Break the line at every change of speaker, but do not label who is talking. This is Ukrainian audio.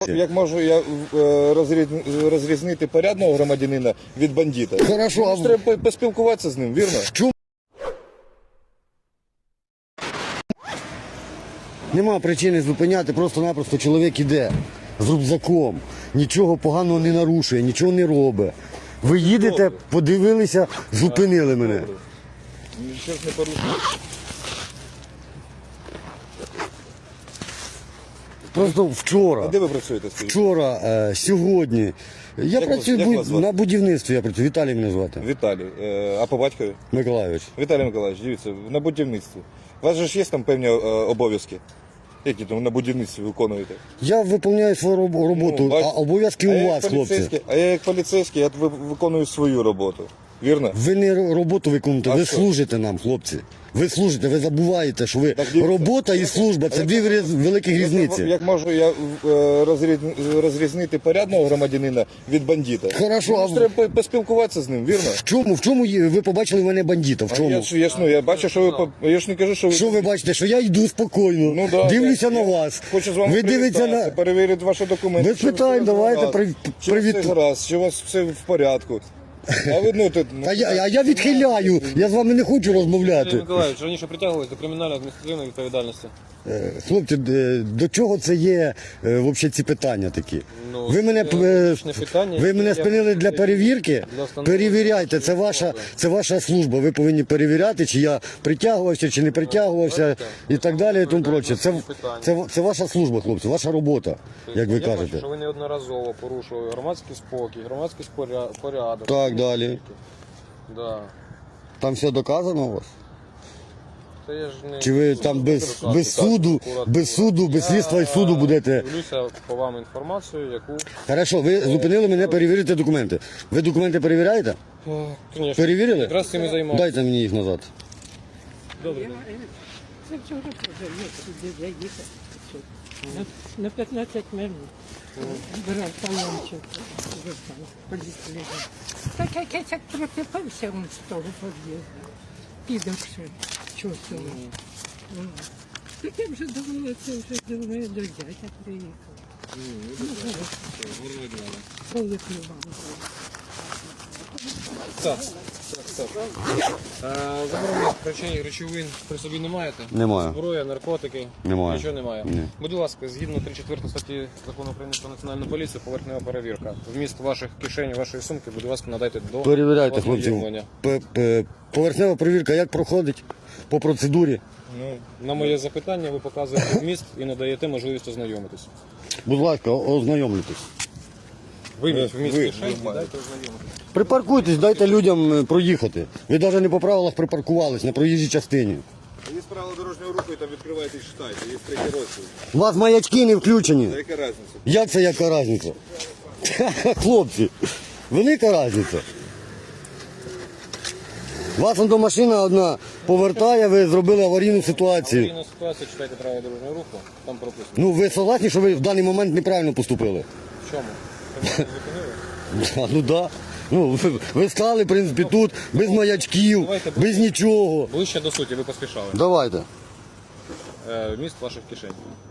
Як можу я розрізнити порядного громадянина від бандита?
Хорошо, а
Треба поспілкуватися з ним, вірно?
чому? Нема причини зупиняти, просто-напросто чоловік іде з рюкзаком, нічого поганого не нарушує, нічого не робить. Ви їдете, подивилися, зупинили мене.
Нічого ж не порушує.
Просто вчора.
А де ви працюєте, скажіть?
Вчора, сьогодні. Я
Як
працюю
вас звати?
на будівництві, я працюю. Віталій мене звати.
Віталій. А по батькові?
Миколайович.
Віталій Миколаївич, дивіться, на будівництві. У вас же ж є там певні обов'язки? Які там на будівництві виконуєте?
Я виконую свою роботу,
Ну,
а обов'язки у вас, хлопці.
А я як поліцейський, я виконую свою роботу. Вірно?
Ви не роботу виконуєте,
А
ви
що?
служите нам, хлопці. Ви служите, ви забуваєте, що ви
Так, дивіться.
робота і служба це дві великі різниці.
Як можу я розрізнити порядного громадянина від бандита?
Хорошо, а
Треба поспілкуватися з ним, вірно?
в чому ви побачили мене бандита? В чому?
Я бачу, що ви... Я ж не кажу, що ви...
Що ви бачите, що я йду спокійно,
Ну, да,
дивлюся
я
на вас.
Хочу з вами
Ви дивитеся
привітатися, перевірити ваші документи.
Без
Чи ви
питань,
все
давайте
гаразд, чи ви все гаразд, чи у вас все в порядку. А ви,
А я відхиляю, я з вами не хочу
Сергій
розмовляти.
Миколаївич, раніше притягувалися до кримінальної адміністративної відповідальності.
Хлопці, до чого це є взагалі ці питання такі?
Ну,
Ви мене,
логічне питання,
ви мене
яке
спинили для перевірки?
для встановлення
Перевіряйте, це ваша служба. Ви повинні перевіряти, чи я притягувався, чи не притягувався і так далі і тому проче. Це ваша служба, хлопці, ваша робота, як ви
Я бачу,
кажете.
що ви неодноразово порушували громадський спокій, громадський порядок.
Так, далі.
Да.
Там все доказано у вас?
Це я ж не...
Чи ви там без суду, без слідства і суду будете?
Дивлюся по вам інформацію, яку...
Хорошо, ви зупинили мене перевірити документи. Ви документи перевіряєте?
Конечно.
Перевірили?
Якраз цим і займаюся.
Дайте мені їх назад.
Добре.
Це вчора вже сюди заїхав. На 15 минут. Брав талончик. Так якийсь як пропитався він з того під'їзду. Підавши. Чувствував. Так я вже думала, це вже думаю, до дядя приїхав. Коли плював.
Так. Заборонених речей, речовин при собі не маєте?
Немає.
Зброя, наркотики?
Немає.
Нічого немає?
Ні.
Будь ласка, згідно 3-4 статті Закону України про національну поліцію, поверхнева перевірка. Вміст ваших кишень, вашої сумки, будь ласка, надайте до
Перевіряйте, хлопці.
ознайомлення.
Поверхнева перевірка як проходить? По процедурі?
Ну, на моє запитання ви показуєте вміст і надаєте можливість ознайомитись.
Будь ласка, ознайомлюйтесь.
Виміть вміст
ви
кишень і
маєте.
дайте ознайомитись.
Припаркуйтесь, дайте людям проїхати. Ви навіть не по правилах припаркувались на проїжджій частині.
Є правила дорожнього руху, і там відкриваєте і читаєте, є третій розділ.
У вас маячки не включені.
Та яка різниця?
Як це яка різниця? Хлопці, велика різниця. Вас до машина одна повертає, ви зробили аварійну ситуацію.
Аварійна ситуація, читайте правила дорожнього руху, там прописано.
Ну, ви согласні, що ви в даний момент неправильно поступили?
В чому? Ви мене зупинили?
Ну да. Ну, ви стали, в принципі, тут, без маячків, без нічого.
Ближче до суті, ви поспішали.
Давайте.
Вміст ваших кишень.